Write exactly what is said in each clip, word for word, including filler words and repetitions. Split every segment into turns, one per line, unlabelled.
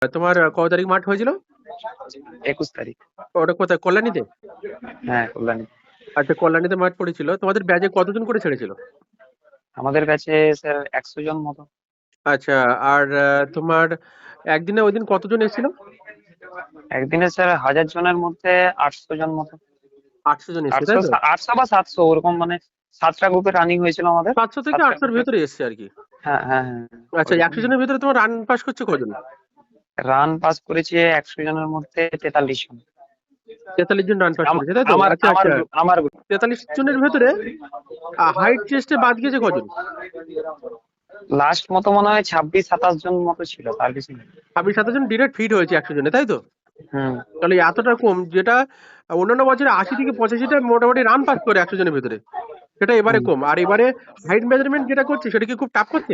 তোমার আহ, কত তারিখ মাঠ হয়েছিল?
একুশ তারিখ।
ওটা কোথায়, কল্যাণীতে?
হ্যাঁ, কল্যাণী।
আচ্ছা, কল্যাণীতে মাঠ পড়েছিল। তোমাদের ব্যাচে কতজন করে ছেড়েছিল?
আমাদের কাছে স্যার একশো জন মতো।
আচ্ছা। আর আহ, তোমার একদিনে ওই দিন কতজন এসেছিল?
একদিনে স্যার হাজার জনের মধ্যে আটশো জন মতো।
আটশো জন এসেছে,
আটশো
তাই তো?
আটশো বা সাতশো ওরকম, মানে সাতটা গ্রুপে রানিং হয়েছিল আমাদের।
সাতশো থেকে
সাতটা
আটশোর
গ্রুপে।
ভেতরে এসছে আর কি।
হ্যাঁ, হ্যাঁ, হ্যাঁ,
আচ্ছা,
ওইরকম।
একশো জনের ভেতরে তোমার রান পাস করছে কজন?
রান পাস করেছে একশো জনের মধ্যে তেতাল্লিশ জন।
তেতাল্লিশ জন রান পাস
আম-
করেছে, তাই তো?
আমার
আচ্ছা
আমার
আচ্ছা।
group- আমার group।
তেতাল্লিশ জনের ভেতরে হাইট চেস্টে বাদ গিয়েছে কজন?
লাস্ট মতো মনে হয় ছাব্বিশ সাতাশ জন মতো ছিল, তার বেশি না।
ছাব্বিশ সাতাশ জন ডিরেক্ট ফিট হয়েছে একশো জনে, তাই তো?
হুম।
তাহলে এতটা কম, যেটা অন্যান্য বছরে আশি থেকে পঁচাশিটা মোটামুটি রান পাস করে একশো জনের ভেতরে, সেটা এবারে
হুম।
কম। আর এবারে হাইট মেজারমেন্ট যেটা করছে সেটা কি খুব টাফ করছে?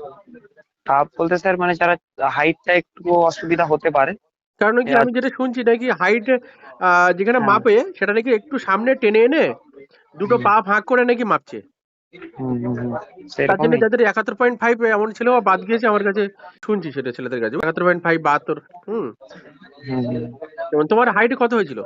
টাফ বলতে স্যার মানে যারা হাইটটা একটু অসুবিধা হতে পারে।
কারণ কি,
এবার।
আমি যেটা শুনছি নাকি হাইট যেখানে
হ্যাঁ।
মাপে সেটা নাকি একটু সামনে টেনে এনে দুটো
হুম,
পা ফাঁক করে নাকি মাপছে।
হুম, হুম, হুম,
তার জন্য
সেরকমই।
যাদের একাত্তর পয়েন্ট ফাইভ এমন ছেলে বাদ গিয়েছে আমার কাছে, শুনছি সেটা ছেলেদের কাছে একাত্তর পয়েন্ট ফাইভ বাহাত্তর। হুম।
হুম, হুম।
যেমন তোমার হাইট কত হয়েছিল?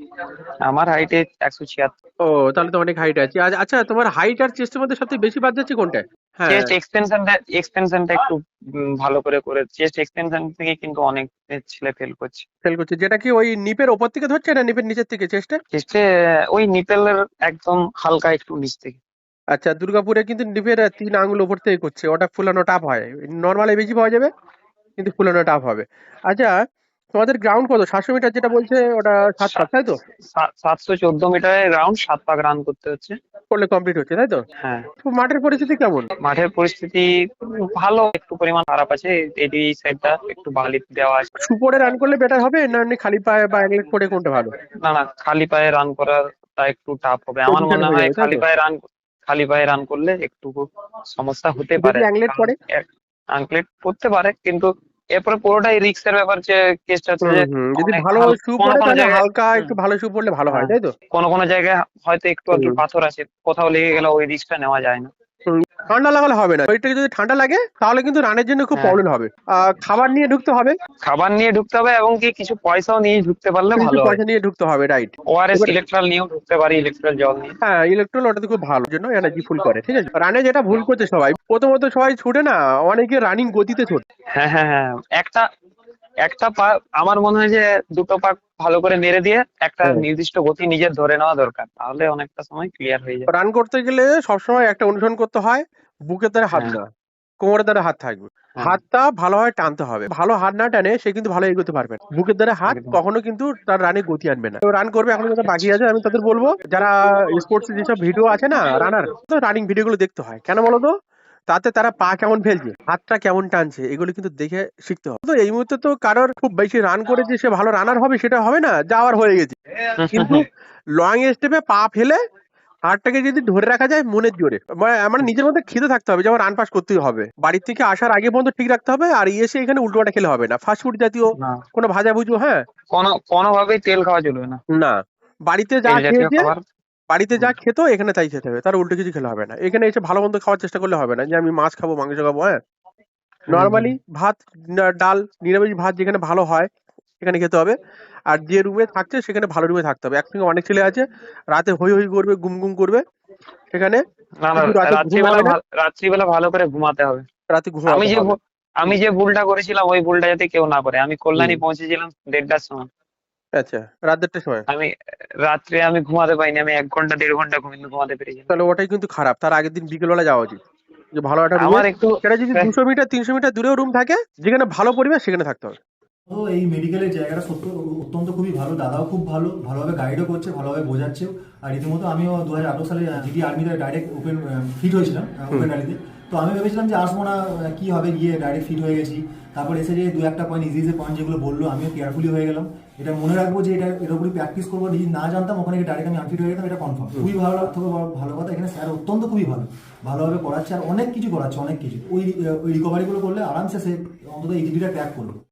আমার হাইটে একশো ছিয়াত্তর।
ও, তাহলে তো অনেক হাইট আছে। আচ্ছা আচ্ছা, তোমার হাইট আর চেস্টের মধ্যে সবথেকে বেশি বাদ যাচ্ছে কোনটা? হ্যাঁ।
চেস্ট এক্সটেনশনটা এক্সটেনশনটা একটু উম, ভালো করে করে চেস্ট এক্সটেনশন থেকে কিন্তু অনেক ছেলে ফেল করছে।
ফেল করছে, যেটা কি ওই নিপের ওপর থেকে ধরছে না নিপের নিচের থেকে চেস্টে?
চেস্টে ওই নিপেলের একদম হালকা একটু নিচ থেকে।
আচ্ছা, দুর্গাপুরে কিন্তু নিপের তিন আঙুল ওপর থেকে করছে, ওটা ফুলানো টাফ হয়। নর্মালি বেশি পাওয়া যাবে, কিন্তু ফুলানো টাফ হবে। আচ্ছা, তোমাদের গ্রাউন্ড কত, সাতশো মিটার যেটা বলছে ওটা সাত পাক, তাই তো?
সাতশো চোদ্দ মিটারের রাউন্ড সাত পাক রান করতে হচ্ছে।
করলে কমপ্লিট হচ্ছে, তাই তো?
হ্যাঁ।
তো মাঠের পরিস্থিতি কেমন?
মাঠের পরিস্থিতি ভালো, একটু পরিমাণ খারাপ আছে। এই সাইডটা একটু বালি দেওয়া আছে।
সুপরে রান করলে বেটার হবে না এমনি খালি পায়ে বা এক লেগ পরে কোনটা ভালো?
না, না, খালি পায়ে রান করাটা একটু টাফ হবে আমার
পজিশন
মনে
হয়ে
হয়।
যাবে, তাই
খালি
তো?
পায়ে রান খালি পায়ে রান করলে একটু সমস্যা হতে
যদি
পারে।
অ্যাংলেট
কারণ
পরে?
আনক্লেট করতে পারে, কিন্তু এরপরে পুরোটাই রিস্কের ব্যাপার। যে কেসটা হচ্ছে
হুম
যে
হুম, যদি
অনেক
ভালো
হাল
শু
কোনো
পরে
কোনো
তাহলে
জায়গায়।
হালকা
হুম,
একটু ভালো শু পরলে ভালো হয়,
হ্যাঁ,
তাই তো?
কোনো কোনো জায়গায় হয়তো একটু আধটু
হুম
পাথর আছে, কোথাও লেগে গেলে ওই রিস্কটা নেওয়া যায় না।
হুম, ঠান্ডা লাগালে হবে না, শরীরটাকে যদি ঠান্ডা লাগে তাহলে কিন্তু রানের জন্য খুব
হ্যাঁ,
প্রবলেম হবে। আহ খাবার নিয়ে ঢুকতে হবে।
খাবার নিয়ে ঢুকতে হবে এবং কি কিছু পয়সাও নিয়ে ঢুকতে পারলে
কিছু
ভালো হয়।
পয়সা নিয়ে ঢুকতে হবে, রাইট।
ওআরএস
এবার
ইলেকট্রাল নিয়েও ঢুকতে পারি, ইলেকট্রাল জল নিয়ে।
হ্যাঁ, ইলেকট্রল ওটাতে খুব ভালো, জন্য এনার্জি ফুল করে, ঠিক আছে। রানে যেটা ভুল করছে সবাই, প্রথমত সবাই ছুটে না, অনেকে রানিং গতিতে ছোটে।
হ্যাঁ, হ্যাঁ, হ্যাঁ, একটা একটা পা আমার মনে হয় যে দুটো পা ভালো করে নেড়ে দিয়ে একটা
হ্যাঁ,
নির্দিষ্ট গতি নিজের ধরে নেওয়া দরকার, তাহলে অনেকটা সময় ক্লিয়ার হয়ে যায়।
রান করতে গেলে সবসময় একটা অনুসরণ করতে হয়, বুকের দ্বারা হাত
হ্যাঁ,
না, কোমরের দ্বারা হাত থাকবে।
হ্যাঁ,
হাতটা ভালোভাবে টানতে হবে, ভালো হাত না টানে সে কিন্তু ভালো এগোতে পারবে না। বুকের দ্বারা হাত
একদম।
কখনো কিন্তু তার রানে গতি আনবে না। রান করবে এখনো যারা বাকি আছে, আমি তাদের বলবো, যারা স্পোর্টস যেসব ভিডিও আছে না রানার, তো রানিং ভিডিও গুলো দেখতে হয় কেন বলো তো? তাতে তারা পা কেমন ফেলছে, হাতটা কেমন টানছে, এগুলো কিন্তু দেখে শিখতে হবে। তো এই মুহূর্তে তো কারোর খুব বেশি রান করে যে সে ভালো রানার হবে সেটা হবে না, যাওয়ার হয়ে গেছে। কিন্তু লং স্টেপে পা ফেলে হাতটাকে যদি ধরে রাখা যায় মনের জোরে, মানে আমার নিজের মধ্যে খিদে থাকতে হবে যে আমার রান পাস করতেই হবে, বাড়ির থেকে আসার আগে পর্যন্ত ঠিক রাখতে হবে। আর এসে এখানে উল্টোপাল্টা খেলে হবে না, ফাস্টফুড জাতীয়
না,
কোনো ভাজা ভুজু, হ্যাঁ।
কোনো কোনোভাবেই তেল খাওয়া চলবে না।
না, বাড়িতে যা
তেল জাতীয়
খেয়েছে,
খাবার।
বাড়িতে যা
হুম,
খেত এখানে তাই খেতে হবে, তার উল্টো কিছু খেলে হবে না। এখানে এসে ভালো মন্দ খাওয়ার চেষ্টা করলে হবে না যে আমি মাছ খাবো মাংস খাবো, হ্যাঁ।
হুম, হুম,
নর্মালি ভাত, না- ডাল, নিরামিষ ভাত যেখানে ভালো হয় সেখানে খেতে হবে। আর যে রুমে থাকছে সেখানে ভালো রুমে থাকতে হবে। একসঙ্গে অনেক ছেলে আছে, রাতে হই হই করবে, গুম গুম করবে, সেখানে
না, না,
কিন্তু রাতে ঘুম
রাত্রিবেলা
হবে না।
ভাল- রাত্রিবেলা ভালো করে ঘুমাতে হবে।
রাতে
আমি
ঘুমাতে
যে
হবে।
ভুল- আমি যে ভুলটা করেছিলাম ওই ভুলটা যাতে কেউ না করে। আমি
হুম।
কল্যাণী পৌঁছেছিলাম দেড়টার সময়।
আচ্ছা, রাত দেড়টার সময়?
আমি রাত্রে আমি ঘুমাতে পাইনি, আমি এক ঘন্টা দেড় ঘন্টা ঘুমিয়ে ঘুমাতে পেরেছিলাম।
তাহলে ওটাই কিন্তু খারাপ, তার আগের দিন বিকেলবেলা যাওয়া উচিত, যে ভালো একটা রুমে।
আমার একটু
সেটা যদি দুশো মিটার তিনশো মিটার দূরেও রুম থাকে, যেখানে ভালো পরিবেশ সেখানে থাকতে হবে।
তো এই মেডিকেলের জায়গাটা সত্য অত্যন্ত খুবই ভালো, দাদাও খুব ভালো, ভালোভাবে গাইডও করছে, ভালোভাবে বোঝাচ্ছেও। আর রীতিমতো আমিও দু হাজার আঠারো সালে জিডি আর্মিতে ডাইরেক্ট ওপেন ফিট হয়েছিলাম,
হুম।
ওপেন ডালিতে। তো আমি ভেবেছিলাম যে আসবো না, আহ, কি হবে, গিয়ে ডাইরেক্ট ফিট হয়ে গেছি। তারপর এসে যে দু একটা পয়েন্ট ইজি ইজি পয়েন্ট যেগুলো বললো আমিও কেয়ারফুলি হয়ে গেলাম। এটা মনে রাখবো যে এটা এর উপরই প্র্যাকটিস করবো। যদি না জানতাম ওখানে ডাইরেক্ট আমি আনফিট হয়ে যেতাম, এটা কনফার্ম। খুবই ভালো থেকে ভালো কথা, এখানে স্যার অত্যন্ত খুবই ভালো, ভালোভাবে করাচ্ছে আর অনেক কিছু করাচ্ছে, অনেক কিছু। ওই ওই রিকভারিগুলো করলে আরামসে সে অন্তত এই জিডিটা ক্র্যাক করলো।